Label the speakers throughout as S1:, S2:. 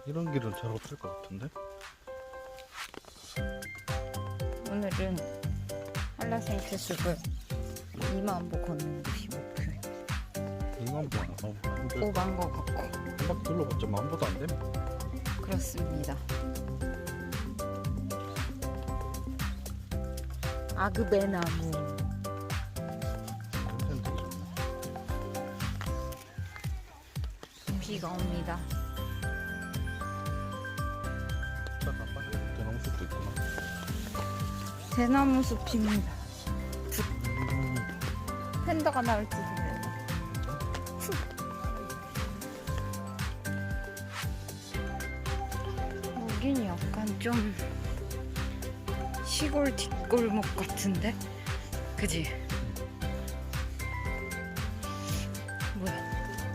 S1: 이런 길은 잘 없을 것 같은데?
S2: 오늘은 한라산트 숲을 2만 보 걷는 곳이 목표예요.
S1: 이만 봐. 근데
S2: 오반 거 같고.
S1: 한 바퀴 둘러봤자 만 보도 안 돼?
S2: 그렇습니다. 아그베나무.
S1: 냄새는 되게 좋네.
S2: 비가 옵니다.
S1: 딱 아빠는 대나무 숲도 있구나.
S2: 대나무 숲입니다. 팬더가 나올지도 몰라. 여긴 약간 좀 시골 뒷골목 같은데? 그지? 뭐야?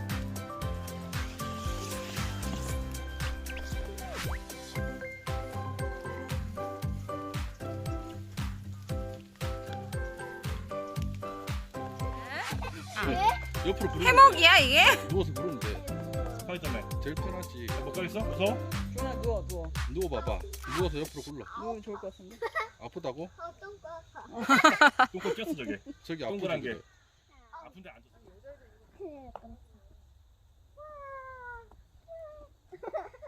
S1: 옆으로 부르면
S2: 해먹이야 이게?
S1: 돼. 누워서 부르면 돼.
S3: 편의점에
S1: 제일 편하지.
S3: 못 가겠어? 무서워?
S4: 준아 누워 누워.
S1: 누워봐봐. 누워서 옆으로 굴러.
S4: 누우면 좋을 것 같은데.
S1: 아프다고?
S3: 똥꼬 꼈어 저게.
S1: 저기
S3: 동그란
S1: 아프지.
S3: 게. 아픈데 앉았어.